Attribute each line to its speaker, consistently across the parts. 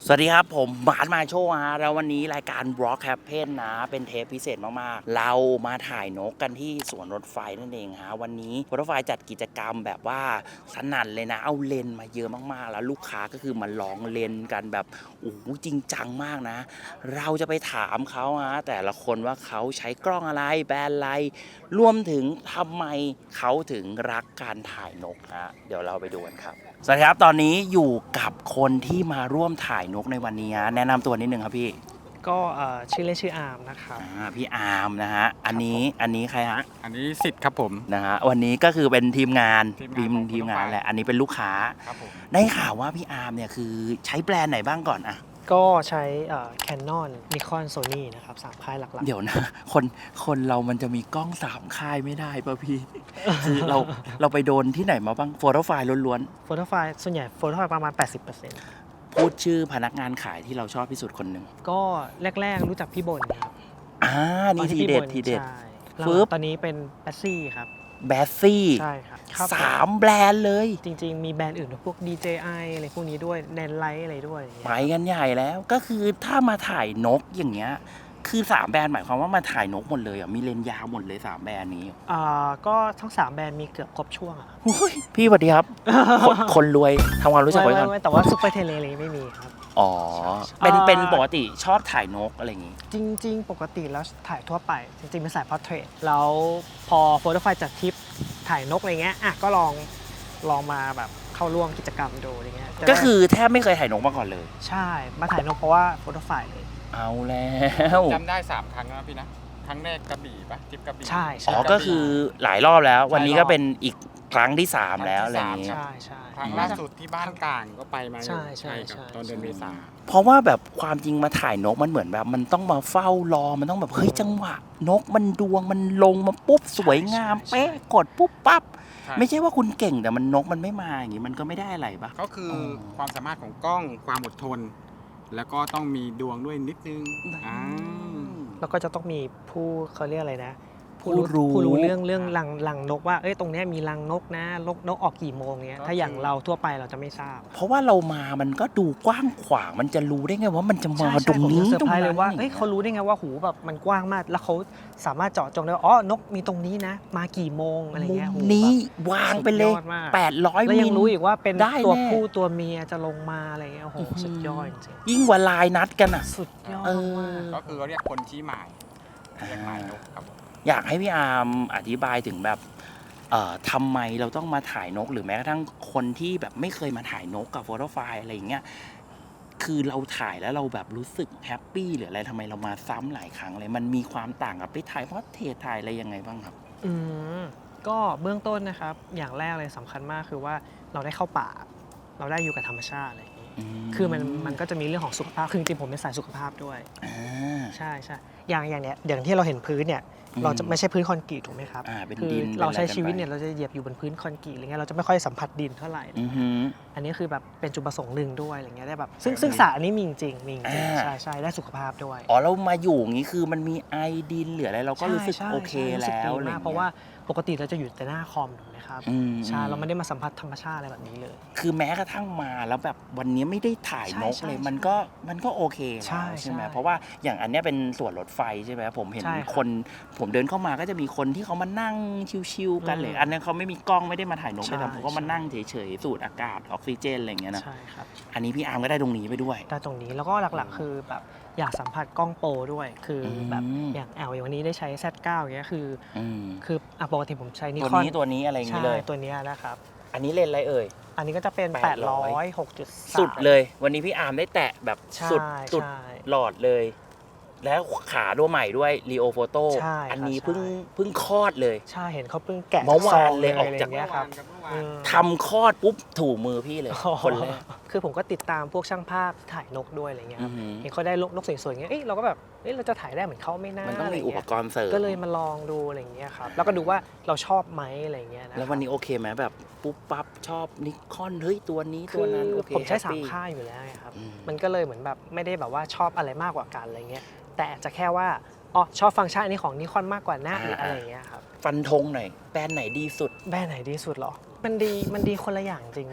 Speaker 1: สวัสดีครับผมบาสมาโชว์ฮะแล้ววันนี้รายการ Rock Happen นะเป็นเทปพิเศษมากๆเรามาถ่ายนกกันที่สวนรถไฟนั่นเองฮะวันนี้รถไฟจัดกิจกรรมแบบว่าสนั่นเลยนะเอาเลนมาเยอะมากๆแล้วลูกค้าก็คือมาลองเลนกันแบบโอ้โหจริงจังมากนะเราจะไปถามเขาฮะแต่ละคนว่าเขาใช้กล้องอะไรแบรนด์อะไรรวมถึงทำไมเขาถึงรักการถ่ายนกฮะเดี๋ยวเราไปดูกันครับสวัสดีครับตอนนี้อยู่กับคนที่มาร่วมถ่ายนกในวันนี้แนะนำตัวนิดนึงครับพี่
Speaker 2: ก็ชื่อเล่นชื่ออาร์มนะครับ
Speaker 1: พี่อาร์มนะฮะอันนี้ใครฮะ
Speaker 3: อันนี้สิทธิ์ครับผม
Speaker 1: นะฮะวันนี้ก็คือเป็นทีมงานทีมงาน
Speaker 3: ของ
Speaker 1: แหละอันนี้เป็นลูกค้า
Speaker 3: ครับผม
Speaker 1: ได้ข่าวว่าพี่อาร์มเนี่ยคือใช้แบรนด์ไหนบ้างก่อนอะ
Speaker 2: ก็ใช้Canon Nikon Sony นะครับ3ค่ายหลักๆ
Speaker 1: เดี๋ยวนะคนเรามันจะมีกล้อง3ค่ายไม่ได้ป่ะพี่ คือเราไปโดนที่ไหนมาบ้างโฟโต้ไฟล์ล้วน
Speaker 2: โฟโต้ไฟล์ส่วนใหญ่โฟโต้ไฟล์ประมาณ 80%
Speaker 1: ๆพูดชื่อพนักงานขายที่เราชอบที่สุดคนหนึ่ง
Speaker 2: ก็แรกๆรู้จักพี่บนครับ
Speaker 1: นี่ทีเด็ด
Speaker 2: ใช่
Speaker 1: ปึ๊บ
Speaker 2: ตอนนี้เป็นแบสซี่ครับ
Speaker 1: แบสซี่
Speaker 2: ใช่ครับ
Speaker 1: 3แบรนด์เลย
Speaker 2: จริงๆมีแบรนด์อื่นพวก DJI อะไรพวกนี้ด้วยแนนไลท์อะไรด้วย
Speaker 1: ไปกันใหญ่แล้วก็คือถ้ามาถ่ายนกอย่างเงี้ยคือ3แบรนด์หมายความว่ามาถ่ายนกหมดเลยอ่ะมีเลนส์ยาวหมดเลย3แบรนด์นี้
Speaker 2: ก็ทั้ง3แบรนด์มีเกือบครบช่วงอะ
Speaker 1: พี่สวัสดีครับ คนรวยทำความรู้จักไว้ก่อน
Speaker 2: แต่ว่าซุปเปอร์เทเลเลยไม่มีครับ
Speaker 1: อ๋อเป็นปกติชอบถ่ายนกอะไรอย่างงี้
Speaker 2: จริงๆปกติแล้วถ่ายทั่วไปจริงๆเป็นสายพอร์เทรตแล้วพอโฟโต้ไฟล์จัดทริปถ่ายนกอะไรเงี้ยก็ลองมาแบบเข้าร่วมกิจกรรมดูอะไรเงี้ย
Speaker 1: ก็คือแทบไม่เคยถ่ายนกมาก่อนเลย
Speaker 2: ใช่มาถ่ายนกเพราะว่าโฟโต้ไฟล์เลย
Speaker 1: เอาแล้ว
Speaker 3: จำได้3ครั้งแล้วพี่นะครั้งแรกกระบี่ปะทริปกระบี่
Speaker 2: ใช่
Speaker 1: ก็คือหลายรอบแล้ววันนี้ก็เป็นอีกครั้งที่3แล้วอะไรอย่างงี้
Speaker 2: ใช่
Speaker 3: ครั้งล่าสุดที่บ้านกลางก็ไปมา
Speaker 2: ใช่
Speaker 3: ตอนเดือนเมษา
Speaker 1: เพราะว่าแบบความจริงมาถ่ายนกมันเหมือนแบบมันต้องมาเฝ้ารอมันต้องแบบเฮ้ยจังหวะนกมันดวงมันลงมาปุ๊บสวยงามเป๊ะกดปุ๊บปั๊บไม่ใช่ว่าคุณเก่งแต่มันนกมันไม่มาอย่างงี้มันก็ไม่ได้อะไรปะ
Speaker 3: ก็คือความสามารถของกล้องความอดทน แล้วก็ต้องมีดวงด้วยนิดนึง
Speaker 2: แล้วก็จะต้องมีผู้เขาเรียกอะไรนะผู้รู้เรื่องรังนกว่าตรงนี้มีรังนกนะนกออกกี่โมงเนี้ยถ้าอย่างเราทั่วไปเราจะไม่ทราบ
Speaker 1: เพราะว่าเรามามันก็ดูกว้างขวางมันจะรู้ได้ไงว่ามันจะมาตรงนี้
Speaker 2: เซอร์ไพรส์เลยว่าเขารู้ได้ไงว่าหูแบบมันกว้างมากแล้วเขาสามารถเจาะจงได้ว่านกมีตรงนี้นะมากี่โมงอะไรเงี้ย
Speaker 1: นี้วางไปเลย800
Speaker 2: แล้วยังรู้อีกว่าเป็นตัวผู้ตัวเมียจะลงมาอะไรเงี้ยโอ้โหสุดยอดจริง
Speaker 1: ยิ่งกว่าลายนัดกันอ่ะ
Speaker 2: สุดยอดมาก
Speaker 3: ก็คือเรียกคนชี้หมายเรียกหมายนกครับ
Speaker 1: อยากให้พี่อาร์มอธิบายถึงแบบทำไมเราต้องมาถ่ายนกหรือแม้กระทั่งคนที่แบบไม่เคยมาถ่ายนกกับโฟโต้ไฟล์อะไรอย่างเงี้ยคือเราถ่ายแล้วเราแบบรู้สึกแฮปปี้หรืออะไรทำไมเรามาซ้ำหลายครั้งเลยมันมีความต่างกับไปถ่ายเพราะเทถ่ายอะไรยังไงบ้างครับ
Speaker 2: ก็เบื้องต้นนะครับอย่างแรกเลยสำคัญมากคือว่าเราได้เข้าป่าเราได้อยู่กับธรรมชาติอะไรอย่างนี้คือมันก็จะมีเรื่องของสุขภาพคือจริงๆผมเป็นสายสุขภาพด้วยใช่อย่างเนี้ยอย่างที่เราเห็นพื้นเนี่ยเราจะไม่ใช่พื้นคอนกรีตถูกไหมครับคือเราใช้ชีวิตเนี่ยเราจะเหยียบอยู่บนพื้นคอนกรีตอะไรเงี้ยเราจะไม่ค่อยสัมผัสดินเท่าไหร่อันนี้คือแบบเป็นจุดประสงค์หนึ่งด้วยอะไรเงี้ยได้แบบซึ่งสระอันนี้มีจริงใช่ได้สุขภาพด้วย
Speaker 1: เรามาอยู่อย่างนี้คือมันมีไอดินเหลืออะไรเราก็รู้สึกโอเคแล้ว
Speaker 2: เพราะว่าปกติเราจะอยู่แต่หน้าคอมถูกไหมครับใช่เราไม่ได้มาสัมผัสธรรมชาติอะไรแบบนี้เลย
Speaker 1: คือแม้กระทั่งมาแล้วแบบวันนี้ไม่ได้ถ่ายนกเลยมันก็โอเคแล้วใช่ไหมเพราะว่าอย่างอันนี้เป็นสวนรถไฟใช่ไหมผมเห็นคนผมเดินเข้ามาก็จะมีคนที่เขามานั่งชิวๆกันเลยอันนั้นเขาไม่มีกล้องไม่ได้มาถ่ายนกเลยแต่ผมก็มานั่งเฉยๆสูดอากาศออกซิเจนอะไรอย่างเงี้ยนะ
Speaker 2: ใช่ครับ
Speaker 1: อันนี้พี่อาร์มก็ได้ตรงนี้ไปด้วย
Speaker 2: ได้ตรงนี้แล้วก็หลักๆคือแบบอยากสัมผัสกล้องโปรด้วยคือแบบอย่างอย่างวันนี้ได้ใช้ Z9 อย่างเงี้ยคือปกติผมใช้นิคอน
Speaker 1: ตัวนี้อะไรอย่างงี้เลย
Speaker 2: ตัวนี้นะครับ
Speaker 1: อันนี้เลนส์อะไรเอ่ย
Speaker 2: อันนี้ก็จะเป็น800 6.3
Speaker 1: สุดเลยวันนี้พี่อาร์มได้แตะแบบสุดหลอดเลยแล้วขาตัวใหม่ด้วยรีโอโฟโต้อันนี้เพิ่งคลอดเลย
Speaker 2: ใช่เห็นเขาเพิ่งแกะ
Speaker 1: เมื่อวานเลยออกจาก
Speaker 2: ครับ
Speaker 1: ทำคลอดปุ๊บถูมือพี่เลยคนแรก
Speaker 2: คือผมก็ติดตามพวกช่างภาพถ่ายนกด้วยอะไรเงี้ยเห็นเขาได้นกสวยๆเงี้ยเราก็แบบเราจะถ่ายได้เหมือนเขาไม่น่า
Speaker 1: มันต้องมีอุปกรณ์เสริม
Speaker 2: ก็เลยมาลองดูอะไรเงี้ยครับแล้วก็ดูว่าเราชอบไหมอะไรเงี้ยนะ
Speaker 1: แล้ววันนี้โอเคไหมแบบปุ๊บปั๊บชอบนิคอนเฮ้ยตัวนี้ตัวนั้นโอเค
Speaker 2: ผมใช้3ค่ายอยู่แล้วครับมันก็เลยเหมือนแบบไม่ได้แบบว่าชอบอะไรมากกว่ากันอะไรเงี้ยแต่จะแค่ว่าชอบฟังก์ชันอันนี้ของนิคอนมากกว่านะหรืออะไรเงี้ยครับ
Speaker 1: ฟันธงหน่อยแบรนด์ไหนดีสุด
Speaker 2: แบรนด์ไหนดีสุดหรอมันดีคนละอย่างจริงนะ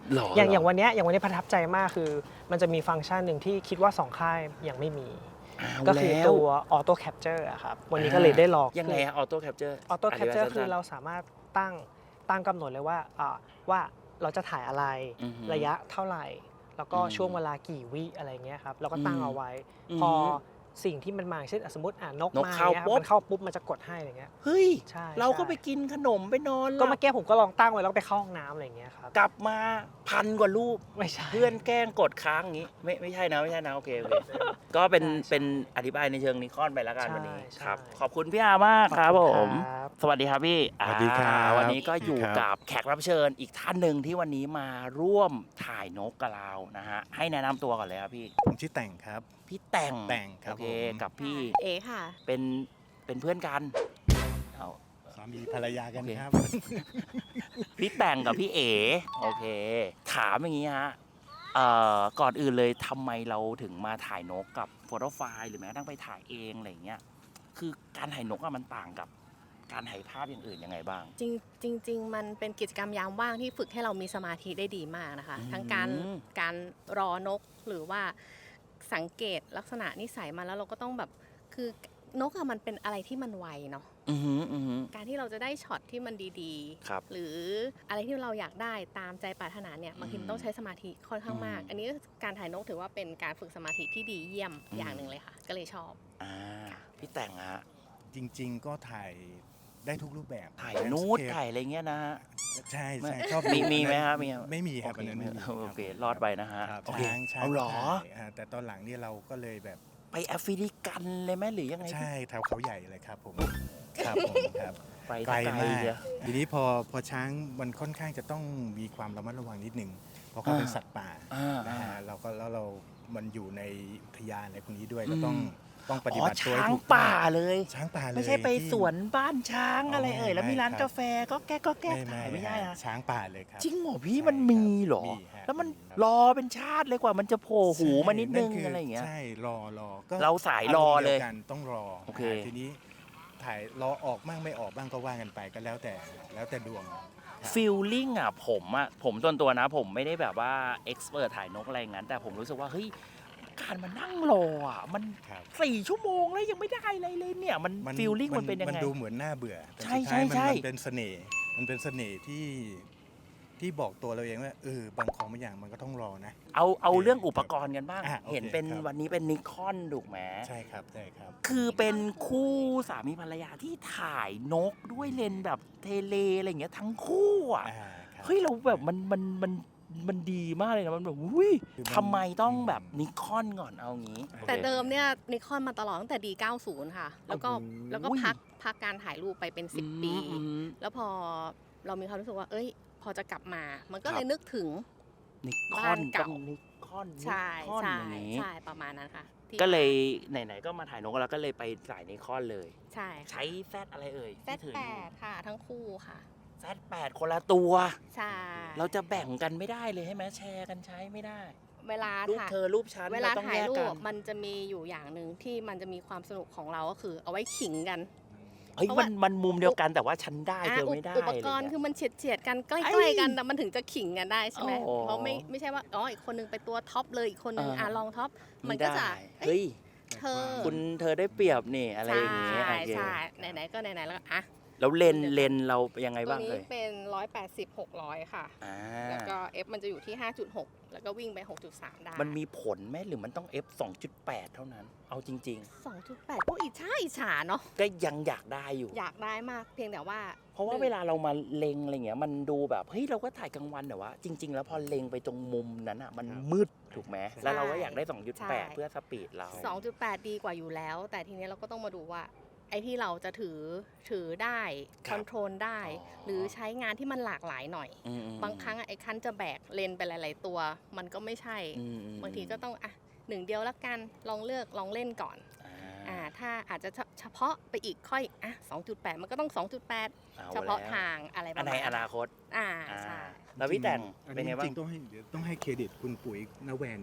Speaker 1: หรอ
Speaker 2: อย่างวันเนี้ยประทับใจมากคือมันจะมีฟังก์ชันหนึ่งที่คิดว่า2ค่ายยังไม่มี ก็คือตัวออโต้แคปเจอร์ครับวันนี้ก็เลยได้ลอง
Speaker 1: ยังไงออโต้แคปเจอร์
Speaker 2: ออโต้แคปเจอร์คือเราสามารถตั้งกำหนดเลยว่าเราจะถ่ายอะไรระยะเท่าไหร่ แล้วก็ช่วงเวลากี่วิอะไรเงี้ยครับเราก็ตั้งเอาไว้ พอสิ่งที่มันมาเช่นสมมตินกมาเนี่ยมันเข้าปุ๊บมันจะกดให้อะไรเงี้ย
Speaker 1: เฮ้ย
Speaker 2: ใช่
Speaker 1: เราก็ไปกินขนมไปนอน
Speaker 2: ก็เมื่อกี้ผมก็ลองตั้งไว้แล้วไปเข้าห้องน้ำอะไรเงี้ยครับ
Speaker 1: กลับมา1,000 กว่ารูป
Speaker 2: ไม่ใช่
Speaker 1: เพื่อนแกล้งกดค้างอย่างนี้ไม่ใช่นะโอเคก็เป็นอธิบายในเชิงนิคอนไปแล้วกันวันนี้ครับขอบคุณพี่อามากครับผม
Speaker 2: ครับ
Speaker 1: สวัสดีครับพี่
Speaker 4: สวัสดีครับ
Speaker 1: วันนี้ก็อยู่กับแขกรับเชิญอีกท่านหนึ่งที่วันนี้มาร่วมถ่ายนกกับเรานะฮะให้แนะนำตัวก่อนเลยครับพี่
Speaker 4: ผมชื่อแต่งครับ
Speaker 1: พี่แต่ง
Speaker 4: แต่งครับ
Speaker 1: โอเค
Speaker 4: ผม
Speaker 1: กับพี่
Speaker 5: เอค่ะ
Speaker 1: เป็นเพื่อนกันเอา
Speaker 4: สามีภรรยากัน
Speaker 1: โอเค
Speaker 4: ครับ
Speaker 1: พี่แต่งกับพี่เอ๋โอเค ถามอย่างนี้ฮะก่อนอื่นเลยทำไมเราถึงมาถ่ายนกกับโฟโต้ไฟล์หรือแม้กระทั่งไปถ่ายเองอะไรอย่างเงี้ยคือการถ่ายนกอะมันต่างกับการถ่ายภาพอย่างอื่นยังไงบ้าง
Speaker 5: จริง มันเป็นกิจกรรมยามว่างที่ฝึกให้เรามีสมาธิได้ดีมากนะคะ
Speaker 1: อืม
Speaker 5: ทั้งการรอนกหรือว่าสังเกตลักษณะนิสัยมันแล้วเราก็ต้องแบบคือนกอะมันเป็นอะไรที่มันไวเนาะ
Speaker 1: อือหืออือหือ
Speaker 5: การที่เราจะได้ช็อตที่มันดี
Speaker 1: ครับ
Speaker 5: หรืออะไรที่เราอยากได้ตามใจปรารถนาเนี่ยบางทีมันต้องใช้สมาธิค่อนข้างมาก
Speaker 1: อืม
Speaker 5: อันนี้การถ่ายนกถือว่าเป็นการฝึกสมาธิที่ดีเยี่ยมอย่างหนึ่งเลยค่ะ ก็เลยชอบ
Speaker 1: พี่แต่งฮะ
Speaker 4: จริง ๆ ก็ถ่ายได้ทุกรูปแบบ
Speaker 1: ถ่ายนูดถ่ายอะไรเงี้ยนะฮะ
Speaker 4: ใช่
Speaker 1: ไม่
Speaker 4: ชอบ
Speaker 1: มีไหมครับมี
Speaker 4: ไม่มีครับ
Speaker 1: โอ
Speaker 4: อัน
Speaker 1: เค
Speaker 4: นั้นไม่มี
Speaker 1: โอเครอดไปนะฮะ
Speaker 4: ครับ
Speaker 1: โอเค
Speaker 4: ช้าง
Speaker 1: เอาเหรอ
Speaker 4: ถ่ายแต่ตอนหลังนี่เราก็เลยแบบ
Speaker 1: ไปแอฟริกันเลยไหมหรือยังไง
Speaker 4: ใช่แถวเขาใหญ่เลยครับผมครับผมครับ
Speaker 1: ไป
Speaker 4: ไกล
Speaker 1: ไกล
Speaker 4: มาก
Speaker 1: เชียว
Speaker 4: ทีนี้พอช้างมันค่อนข้างจะต้องมีความระมัดระวังนิดนึงเพราะเขาเป็นสัตว์ป่า นะฮะเรามันอยู่ในอุทยานอะไรพวกนี้ด้วยก็ต้องปฏิบัติตัวให้
Speaker 1: ช้าง
Speaker 4: ถูก
Speaker 1: ป่าเลย
Speaker 4: ช้างป่าเลย
Speaker 1: ไม่ใช่ไป
Speaker 4: ที่
Speaker 1: สวนบ้านช้างอะไรเอ่ยแล้วมีร้าน
Speaker 4: ไม่ครับ
Speaker 1: กาแฟก็แก้ถ่ายไม่ได้
Speaker 4: ฮะ
Speaker 1: นะ
Speaker 4: ช้างป่าเลยครับ
Speaker 1: จริงเหรอพี่
Speaker 4: ใช่
Speaker 1: มันมีเหรอ
Speaker 4: มีฮะ
Speaker 1: แล้วมัน
Speaker 4: ครับ
Speaker 1: รอเป็นชาติเลยกว่ามันจะโผล่หูมานิดนึง
Speaker 4: ใช่
Speaker 1: อะไรอย่างเงี้ย
Speaker 4: ใช่รอก็
Speaker 1: เราสายรอเลย
Speaker 4: ารมณ์ดีวกันต้องรอ
Speaker 1: โอเค
Speaker 4: ทีนี้ถ่ายรอออกบ้างไม่ออกบ้างก็ว่ากันไปก็แล้วแต่ดวงครับ
Speaker 1: ฟีลลิ่งอ่ะผมส่วนตัวนะ ผมไม่ได้แบบว่าเอ็กซ์เพรสถ่ายนกอะไรอย่างนั้น แต่ผมรู้สึกว่าเฮ้ยการมานั่งรออ่ะมัน
Speaker 4: ครับ
Speaker 1: 4 ชั่วโมงแล้วยังไม่ได้อะไรเลยเนี่ยมันฟีลลิ่งมันเป็นยัง
Speaker 4: มัน
Speaker 1: ไง
Speaker 4: ดูเหมือนน่าเบื่อแต่
Speaker 1: ใช่
Speaker 4: สุดท้าย
Speaker 1: ใช่
Speaker 4: มันเป็นเสน่ห์มันเป็นเสน่ห์ที่บอกตัวเราเองว่าบางของบางอย่างมันก็ต้องรอนะ
Speaker 1: เอาเรื่องอุปกรณ์กันบ้าง
Speaker 4: โอเค
Speaker 1: เห็นเป็น
Speaker 4: ครับ
Speaker 1: วันนี้เป็นนิคอนถูกไหม
Speaker 4: ใช่ครับใช่ครับ
Speaker 1: คือเป็นคู่สามีภรรยาที่ถ่ายนกด้วยเลนส์แบบเทเลอะไรอย่างเงี้ยทั้งคู่อ่ะ
Speaker 4: ครับ
Speaker 1: เฮ้ยเราแบบมันดีมากเลยนะมันแบบอุ้ย
Speaker 4: คือมัน
Speaker 1: ทำไมต้องแบบนิคอนก่อนเอางี้
Speaker 5: แต่เดิมเนี่ยนิคอนมาตลอดตั้งแต่ D90 ค่ะ แล้วก็
Speaker 1: โอ้โห
Speaker 5: แล้วก็พักการถ่ายรูปไปเป็น 10 ปี
Speaker 1: อืม
Speaker 5: แล้วพอเรามีความรู้สึกว่า เอ้ย พอจะกลับมา มันก็
Speaker 1: ครับ
Speaker 5: เลยนึกถึง
Speaker 1: นิค
Speaker 5: บ้า
Speaker 1: อน
Speaker 5: นเก่า
Speaker 1: ต้องนิคอน
Speaker 5: ใช่
Speaker 1: นิคอน
Speaker 5: ใช่
Speaker 1: อย่างนี้
Speaker 5: ใช่ประมาณนั้นค่ะที่
Speaker 1: ก็เลยไหนๆก็มาถ่ายนกแล้วก็เลยไปสายนิคอนเลย
Speaker 5: ใช่ค่ะ
Speaker 1: ใช้แซดอะไรเอ่ย
Speaker 5: แซด
Speaker 1: ที่ถือ
Speaker 5: แป
Speaker 1: อยู่
Speaker 5: ดค่ะ ทั้งคู่ค่ะ
Speaker 1: แซดแปดคนละตัว
Speaker 5: ใช่
Speaker 1: เราจะแบ่งกันไม่ได้เลยใช่ไหมแชร์กันใช้ไม่ได้
Speaker 5: เวลา
Speaker 1: รูป
Speaker 5: ถ่าย
Speaker 1: เธอรูปฉัน
Speaker 5: เวลา
Speaker 1: เราต้อง
Speaker 5: ถ่าย
Speaker 1: แยก
Speaker 5: รู
Speaker 1: กั
Speaker 5: ป
Speaker 1: น
Speaker 5: มันจะมีอยู่อย่างหนึ่งที่มันจะมีความสนุกของเราก็คือเอาไว้ขิงกัน
Speaker 1: เฮ้ย
Speaker 5: เพราะ
Speaker 1: มั
Speaker 5: ว่า
Speaker 1: นมุมเดียวกันแต่ว่าฉันได้เธอไม่ได้
Speaker 5: อุปกรณ์
Speaker 1: ะไเงี้ย
Speaker 5: คือมันเฉียดกันใก
Speaker 1: ไอ้
Speaker 5: ล้ๆกันแต่มันถึงจะขิงกันได้ใช่ไหม
Speaker 1: โอ้
Speaker 5: เพราะไม่ใช่ว่าอ๋ออีกคนนึงไปตัวท็อปเลยอีกคนนึงลองท็อปมัน
Speaker 1: ไ
Speaker 5: ก็จะ
Speaker 1: ได้
Speaker 5: เอ้ย
Speaker 1: เฮ้ย
Speaker 5: เธอ
Speaker 1: เธอได้เปรียบนี่อะไร
Speaker 5: ใช่
Speaker 1: อย่างเงี้ยโอเค
Speaker 5: ใช่ไหนๆก็ไหนๆแล้วก็อ่ะ
Speaker 1: แล้วเลนเรายังไง
Speaker 5: ตัว
Speaker 1: บ้าง
Speaker 5: นี้
Speaker 1: เลย
Speaker 5: เป็น 180 600 ค่ะ
Speaker 1: อ่า
Speaker 5: แล้วก็ F มันจะอยู่ที่ 5.6 แล้วก็วิ่งไป 6.3 ได้
Speaker 1: มันมีผลไหมหรือมันต้อง F 2.8 เท่านั้น เอาจริง
Speaker 5: 2.8 ก็อิจฉาเนาะ
Speaker 1: ๆ ก็ยังอยากได้อยู่
Speaker 5: อยากได้มากเพียงแต่ว่า
Speaker 1: เพราะว่าเวลาเรามาเล็งอะไรเงี้ยมันดูแบบเฮ้ยเราก็ถ่ายกลางวันแต่ว่า จริง ๆ แล้วพอเล็งไปตรงมุมนั้นอ่ะมันมืดถูกไหมแล้วเราก็อยากได้ 2.8 เพื่อสปีดเรา
Speaker 5: 2.8 ดีกว่าอยู่แล้ว แต่ทีนี้เราก็ต้องมาดูว่า ไอ้ที่เราจะถือได้
Speaker 1: ค
Speaker 5: ครับ อนโทรลได้
Speaker 1: อ๋อ
Speaker 5: หรือใช้งานที่มันหลากหลายหน่อย
Speaker 1: อืม
Speaker 5: บางครั้งไอ้คันจะแบกเลนไปหลาย ๆ ตัว มันก็ไม่ใช่
Speaker 1: อืม
Speaker 5: บางทีก็ต้องอ่ะหนึ่งเดียวแล้วกันลองเลือกลองเล่นก่อน
Speaker 1: อ่า
Speaker 5: ถ้าอาจจะเฉพาะไปอีกค่อยอ่ะ 2.8 มันก็ต้อง 2.8
Speaker 1: อ
Speaker 5: เฉพาะ
Speaker 1: แล้ว
Speaker 5: ทางอะไรประ
Speaker 1: อัน
Speaker 5: มา
Speaker 1: ใน
Speaker 5: ณ
Speaker 1: อนาคต
Speaker 5: อ่า
Speaker 1: อ่า
Speaker 5: ใช่
Speaker 1: แล้วพี่แต่ง
Speaker 4: อัน
Speaker 1: เป็น
Speaker 4: นี้
Speaker 1: ไงบ้า
Speaker 4: จ
Speaker 1: ง
Speaker 4: ริงๆต้องให้เครดิตคุณปุ๋ยนแวนนะ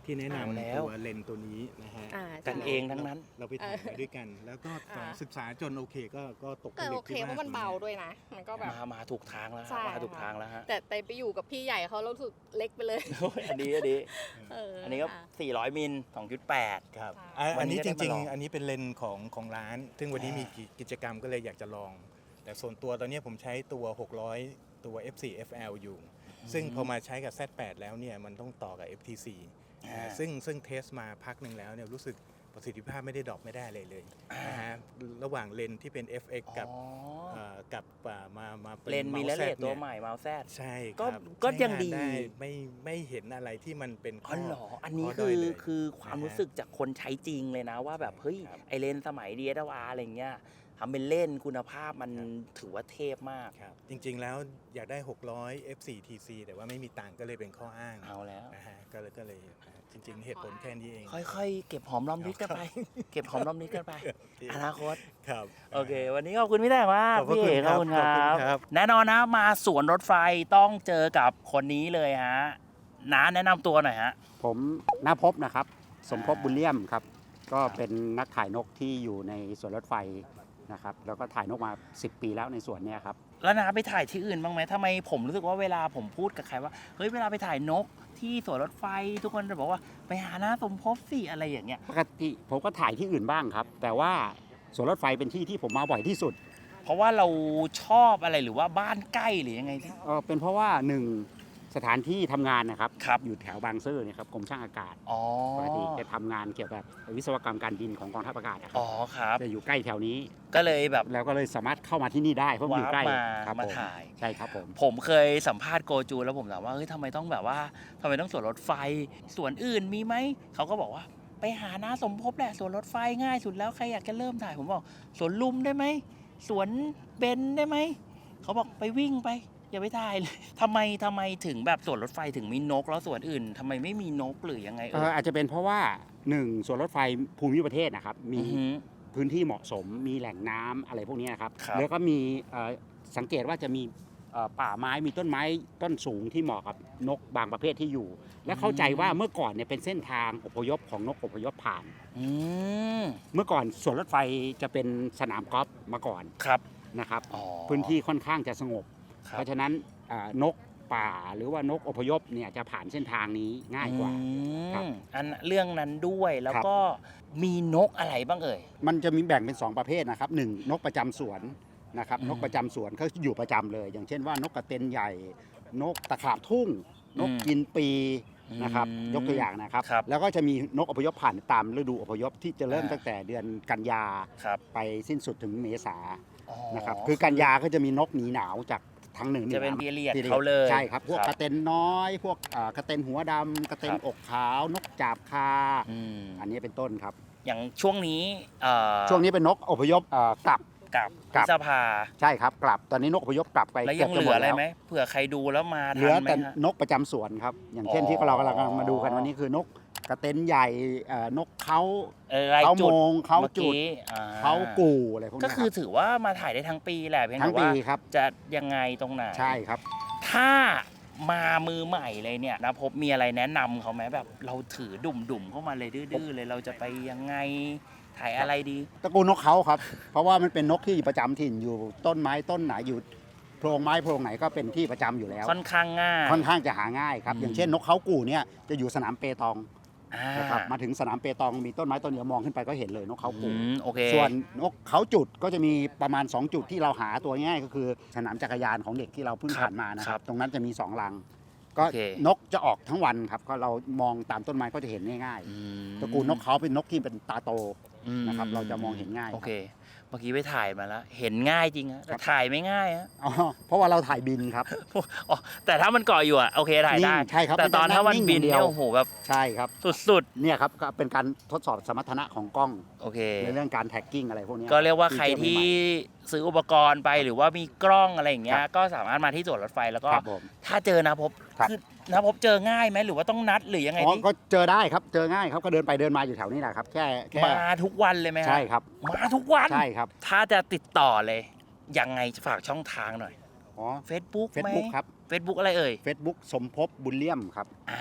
Speaker 4: ที่แนะ
Speaker 1: เอา
Speaker 4: นำ
Speaker 1: แล้ว
Speaker 4: ตัวเลนส์ตัวนี้นะฮะ
Speaker 1: กันเองทั้งนั้น
Speaker 4: เราไปถ่ายมาด้วยกัน แล้วก็ศึกษาจนโอเคก็ตกผ
Speaker 5: ก็
Speaker 4: ลึ
Speaker 5: โอก เค
Speaker 4: ที่
Speaker 5: เพราะมันเบาด้วยนะ มันก็แบบ
Speaker 1: มาถูกทางแล้ว
Speaker 5: ใช่
Speaker 1: มาถูกทางแล้วฮะ
Speaker 5: แต่ไปอยู่กับพี่ใหญ่เขารู้สึกเล็กไปเลย
Speaker 1: โอ้ยอันนี้ อันนี้ก็
Speaker 5: ค่ะ
Speaker 1: 400 มิล 2.8
Speaker 4: ครับ
Speaker 5: ค่ะ
Speaker 4: อันนี้
Speaker 1: วันนี้
Speaker 4: จ
Speaker 1: ก็ได้
Speaker 4: ริง
Speaker 1: มาลอง
Speaker 4: ๆ อันนี้เป็นเลนส์ของร้าน ซึ่งวันนี้มีกิจกรรมก็เลยอยากจะลอง แต่ส่วนตัวตอนนี้ผมใช้ตัว 600 ตัว F4 FL อยู่ ซึ่งพอมาใช้กับ Z8 แล้วเนี่ยมันต้องต่อกับ FT4 ซึ่งเทสมาพักหนึ่งแล้วเนี่ยรู้สึกประสิทธิภาพไม่ได้ดรอปไม่ได้เลยนะฮะระหว่างเลนส์ที่เป็น FX กับ
Speaker 1: อ๋อ
Speaker 4: กับมาป็
Speaker 1: เลนส์มี
Speaker 4: Mouse
Speaker 1: เล
Speaker 4: Z
Speaker 1: ตัว
Speaker 4: เนี่ย
Speaker 1: ใหม่เมาส์แซด
Speaker 4: ใช่ค
Speaker 1: ก็
Speaker 4: รับ
Speaker 1: ก็
Speaker 4: ใช้
Speaker 1: ยังดี
Speaker 4: าได้ไม่เห็นอะไรที่มันเป็น
Speaker 1: อ๋อเหรอ อันนี้
Speaker 4: ข้ด้ยเลย
Speaker 1: คือความรู้สึกจากคนใช้จริงเลยนะว่าแบบเฮ้ย
Speaker 4: ครับ
Speaker 1: ไอเลนส์สมัย DSLR อะไรเงี้ยทำเป็นเล่นคุณภาพมันถือว่าเทพมาก
Speaker 4: ครับจริงๆแล้วอยากได้ 600 F4 TC แต่ว่าไม่มีตังค์ก็เลยเป็นข้ออ้าง
Speaker 1: เอาแล้ว
Speaker 4: นะฮะก็เลยจริงๆ เหตุผลแค่นี้เอง
Speaker 1: ค่อยๆ เก็บหอมรอมริบกันไป เก็บหอมรอมริบกันไป อนาคต
Speaker 4: ครับ
Speaker 1: โอเค วันนี้ขอบคุณพี่แต่มาก
Speaker 4: ขอบพระ
Speaker 1: พี่
Speaker 4: คุณ
Speaker 1: เอก
Speaker 4: ค
Speaker 1: ข
Speaker 4: รั
Speaker 1: อ
Speaker 4: บบ
Speaker 1: คุณครั
Speaker 4: ขอบคุณครับ บ
Speaker 1: แน่นอนนะมาสวนรถไฟต้องเจอกับคนนี้เลยฮะน้าแนะนำตัวหน่อยฮะ
Speaker 6: ผมณภพนะครับ สมภพบุญเลี่ยมครับ ก็เป็นนักถ่ายนกที่อยู่ในสวนรถไฟนะครับ แล้วก็ถ่ายนกมา 10 ปีแล้วในสวนเนี้ยครับ
Speaker 1: แล้วน้าไปถ่ายที่อื่นบ้างไหมทำไมผมรู้สึกว่าเวลาผมพูดกับใครว่าเฮ้ยเวลาไปถ่ายนกที่สวนรถไฟ ทุกคนจะบอกว่าไปหาน้าสมภพสิอะไรอย่างเงี้ย
Speaker 6: ปกติผมก็ถ่ายที่อื่นบ้างครับ แต่ว่าสวนรถไฟเป็นที่ที่ผมมาบ่อยที่สุด
Speaker 1: เพราะว่าเราชอบอะไรหรือว่าบ้านใกล้หรือยังไงที่
Speaker 6: เป็นเพราะว่าหนึ่งสถานที่ทำงานนะครับ
Speaker 1: ครับ
Speaker 6: อยู่แถวบางซื่อเนี่ยครับกรมช่างอากาศ
Speaker 1: อ๋อ
Speaker 6: ปกติจะทำงานเกี่ยวกับวิศวกรรมการบินของกองทัพอากาศนะครั
Speaker 1: อ๋
Speaker 6: บ
Speaker 1: อครับ
Speaker 6: จะอยู่ใกล้แถวนี้
Speaker 1: ก็เลยแบบ
Speaker 6: แล้วก็เลยสามารถเข้ามาที่นี่ได้เพราะมันอยู่ใกล้
Speaker 1: ว้าร์ป
Speaker 6: ครับ
Speaker 1: มา
Speaker 6: ผม
Speaker 1: ถ่าย
Speaker 6: ใช่ครับผม
Speaker 1: ผมเคยสัมภาษณ์โกจูแล้วผมถามว่าเฮ้ยทำไมต้องแบบว่าทำไมต้องสวนรถไฟสวนอื่นมีไหมเขาก็บอกว่าไปหาน้าสมภพแหละสวนรถไฟง่ายสุดแล้วใครอยากจะเริ่มถ่ายผมบอกสวนลุมได้ไหมสวนเบนได้ไหมเขาบอกไปวิ่งไปอย่าไปถ่ายเลยทำไมถึงแบบสวนรถไฟถึงมีนกแล้วสวนอื่นทำไมไม่มีนกหรือยังไง
Speaker 6: อาจจะเป็นเพราะว่าหนึ่งสวนรถไฟภูมิประเทศนะครับมี
Speaker 1: อือหือ
Speaker 6: พื้นที่เหมาะสมมีแหล่งน้ำอะไรพวกนี้นะครับ
Speaker 1: ครับ
Speaker 6: แล้วก็มีสังเกตว่าจะมีป่าไม้มีต้นไม้ต้นสูงที่เหมาะกับนกบางประเภทที่อยู่ และเข้าใจว่าเมื่อก่อนเนี่ยเป็นเส้นทางอพยพของนกอพยพผ่าน
Speaker 1: อืม
Speaker 6: เมื่อก่อนสวนรถไฟจะเป็นสนามกอล์ฟมาก่อน
Speaker 1: ครับ
Speaker 6: นะครับ
Speaker 1: อ๋อ
Speaker 6: พื้นที่ค่อนข้างจะสงบ
Speaker 1: ครับ
Speaker 6: เพราะฉะนั้นนกป่าหรือว่านกอพยพเนี่ยจะผ่านเส้นทางนี้ง่ายกว่า ครับ
Speaker 1: อันเรื่องนั้นด้วยแล้ว
Speaker 6: ครับ
Speaker 1: ก็มีนกอะไรบ้างเอ่ย
Speaker 6: มันจะมีแบ่งเป็น 2 ประเภทนะครับหนึ่งนกประจำสวนนะครับ
Speaker 1: อืม
Speaker 6: นกประจำสวนเขาอยู่ประจำเลย อย่างเช่นว่านกกระเต็นใหญ่ นกตะขาบทุ่ง นกกินปีนะครับ ยกตัวอย่างนะครับ
Speaker 1: ครับ
Speaker 6: แล้วก็จะมีนกอพยพผ่านตามฤดูอพยพที่จะเริ่ม
Speaker 1: อ่า
Speaker 6: ตั้งแต่เดือนกันยา
Speaker 1: ครับ
Speaker 6: ไปสิ้นสุดถึงเมษา
Speaker 1: อ๋อ
Speaker 6: นะครับคือกันยาก็จะมีนกหนีหนาวจากทางเหนือ
Speaker 1: จะเป็น
Speaker 6: ห
Speaker 1: พี
Speaker 6: ว
Speaker 1: เรียด
Speaker 6: period
Speaker 1: เขาเลย
Speaker 6: ใช่ครับพวก
Speaker 1: ครับ
Speaker 6: กระเต็นน้อย พวกกระเต็นหัวดำกระเต็น
Speaker 1: ครับ
Speaker 6: อกขาวนกจาบคา
Speaker 1: อืม
Speaker 6: อันนี้เป็นต้นครับ
Speaker 1: อย่างช่วงนี้
Speaker 6: ช่วงนี้เป็นนกอพยพกลับ
Speaker 1: กับ
Speaker 6: กลับ
Speaker 1: พฤษภา
Speaker 6: ใช่ครับกลับตอนนี้นกอพยพกลับไป
Speaker 1: แล้วยังเหลืออะไรไหมเผื่อใครดูแล้วมา
Speaker 6: เหลื
Speaker 1: ทั
Speaker 6: อน
Speaker 1: ไหม
Speaker 6: แต่
Speaker 1: ฮะ
Speaker 6: นกประจำสวนครับ อย่างเช่น
Speaker 1: อ๋อ
Speaker 6: ที่เรากำลังมาดูกันวันนี้คือนกกระเต็นใหญ่นกเขา
Speaker 1: ราย
Speaker 6: เขา
Speaker 1: จุ
Speaker 6: โม
Speaker 1: ด
Speaker 6: งเขา
Speaker 1: มื่อ
Speaker 6: จุด
Speaker 1: กี้อ่
Speaker 6: เขากู่อะไรพวก
Speaker 1: ก็
Speaker 6: นี้
Speaker 1: คือ
Speaker 6: รับ
Speaker 1: ถือว่ามาถ่ายได้ทั้งปีแหละเพียง
Speaker 6: ทั้
Speaker 1: แต่
Speaker 6: งปี
Speaker 1: ว่า
Speaker 6: ครับ
Speaker 1: จะยังไงตรงไหน
Speaker 6: ใช่ครับ
Speaker 1: ถ้ามามือใหม่เลยเนี่ยนะพบมีอะไรแนะนำเขาไหมแบบเราถือดุ่มๆเข้ามาเลยดื้อๆเลยเราจะไปยังไงถ่ายอะไรดี
Speaker 6: ตระกูลนกเขาครับ เพราะว่ามันเป็นนกที่ประจำถิ่นอยู่ต้นไม้ต้นไหนอยู่โพรงไม้โพรงไหนก็เป็นที่ประจำอยู่แล้ว
Speaker 1: ค่อนข้างง่าย
Speaker 6: ค่อนข้างจะหาง่ายครับ
Speaker 1: อืม
Speaker 6: อย่างเช่นนกเขากู่เนี่ยจะอยู่สนามเปตอง
Speaker 1: อ่า
Speaker 6: นะครับมาถึงสนามเปตองมีต้นไม้ต้นเดียวมองขึ้นไปก็เห็นเลยนกเขากู่
Speaker 1: โอเค
Speaker 6: ส่วนนกเขาจุดก็จะมีประมาณ 2 จุดที่เราหาตัวง่ายก็คือสนามจักรยานของเด็กที่เราเพิ่ง
Speaker 1: ครับ
Speaker 6: ผ่านมานะค
Speaker 1: ครั
Speaker 6: รับ
Speaker 1: บ
Speaker 6: ตรงนั้นจะมี2 รัง ก็
Speaker 1: โอเค
Speaker 6: นกจะออกทั้งวันครับก็เรามองตามต้นไม้ก็จะเห็นง่าย
Speaker 1: อืม
Speaker 6: ๆตระกูลนกเขาเป็นนกที่เป็นตาโต
Speaker 1: อืม
Speaker 6: นะครับเราจะมองเห็นง่าย
Speaker 1: โอเค เมื่อกี้ไปถ่ายมาแล้ว เห็นง่ายจริงฮะแต่ถ่ายไม่ง่ายฮะ
Speaker 6: อ๋อเพราะว่าเราถ่ายบินครับ
Speaker 1: อ๋อแต่ถ้ามันเกาะอยู่อะโอเคถ่ายได้
Speaker 6: นิ่งใช่ครับ
Speaker 1: แต่ตอนถ้ามันบิน
Speaker 6: เดี
Speaker 1: เนี่ย ยว โอ้โหแบบ
Speaker 6: ใช่ครับ
Speaker 1: สุด
Speaker 6: เนี่ยครับก็เป็นการทดสอบสมรรถนะของกล้อง
Speaker 1: ๆ โอเค
Speaker 6: ในเรื่องการแท็กกิ้งอะไรพวกนี้
Speaker 1: ก็เรียกว่าใครที่
Speaker 6: ฟีเจอใหม่
Speaker 1: ซื้ออุปกรณ์ไปหรือว่ามีกล้องอะไรอย่างเงี้
Speaker 6: ค
Speaker 1: ย
Speaker 6: รับ
Speaker 1: ก็สามารถมาที่สวนรถไฟแล้วก็
Speaker 6: ครับผม
Speaker 1: ถ้าเจอนะพบ
Speaker 6: ครับ
Speaker 1: คือนะพบเจอง่ายไหมหรือว่าต้องนัดหรือยังไง
Speaker 6: อ๋อ
Speaker 1: ที่
Speaker 6: ก็เจอได้ครับเจอง่ายครับก็เดินไปเดินมาอยู่แถวนี้แหละครับแค่
Speaker 1: มาทุกวันเลยไหมฮะ
Speaker 6: ใช่ครับ
Speaker 1: มาทุกวัน
Speaker 6: ใช่ครับ
Speaker 1: ถ้าจะติดต่อเลยยังไงฝากช่องทางหน่อย
Speaker 6: อ๋อ
Speaker 1: Facebook ไหม
Speaker 6: Facebook ครับ
Speaker 1: Facebook อะไรเอ่ย
Speaker 6: Facebook สมภพบุญเลี่ยมครับ
Speaker 1: อ่า
Speaker 6: เป็น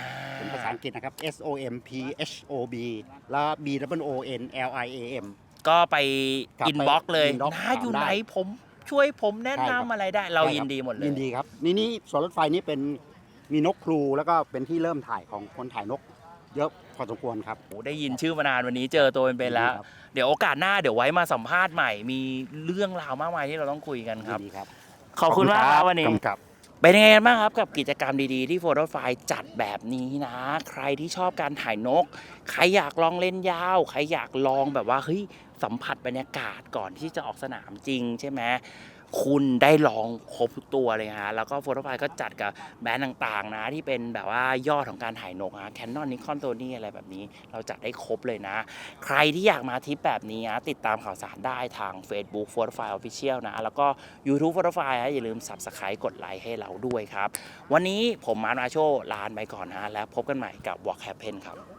Speaker 6: ภาษาอังกฤษนะครับ SOMPHOB แล้ว BOONLIAM
Speaker 1: ก็ไป
Speaker 6: ครับ
Speaker 1: อินบ็อกซ์เลย
Speaker 6: ไป inbox
Speaker 1: น้าอยู่
Speaker 6: ถามได้
Speaker 1: ไหนผมช่วยผมแนะ
Speaker 6: ใช่ครับ
Speaker 1: นำอะไรได้เรายินดีหมดเลย
Speaker 6: ยินดีครับ นี่สวนรถไฟนี่เป็นมีนกครูแล้วก็เป็นที่เริ่มถ่ายของคนถ่ายนก เยอะพอสมควรครับ
Speaker 1: โอ้ได้ยินชื่อมานานวันนี้เจอตัวเป็นๆแล้ว
Speaker 6: ครับ
Speaker 1: เดี๋ยวโอกาสหน้าเดี๋ยวไว้มาสัมภาษณ์ใหม่ มีเรื่องราวมากมายที่เราต้องคุยกันครับ
Speaker 6: ยินดีครับ
Speaker 1: ขอบคุณมากครับวันนี้
Speaker 6: ครับ
Speaker 1: เป็นยังไงกันบ้างครับกับกิจกรรมดีๆที่โฟโต้ไฟล์จัดแบบนี้นะ ใครที่ชอบการถ่ายนก ใครอยากลองเล่นยาว ใครอยากลองแบบว่าเฮ้ยสัมผัสบรรยากาศก่อนที่จะออกสนามจริงใช่ไหมคุณได้ลองครบทุกตัวเลยฮะแล้วก็โฟโต้ไฟล์ก็จัดกับแบรนด์ต่างๆนะที่เป็นแบบว่ายอดของการถ่ายนกฮะ Canon Nikon Sony อะไรแบบนี้เราจัดได้ครบเลยนะ ใครที่อยากมาทริปแบบนี้นะติดตามข่าวสารได้ทาง Facebook Photofile Official นะแล้วก็ YouTube Photofile อย่าลืม Subscribe กดไลค์ให้เราด้วยครับ วันนี้ผมมาร์ค มาโชลาไปก่อนนะแล้วพบกันใหม่กับ Walk Happen ครับ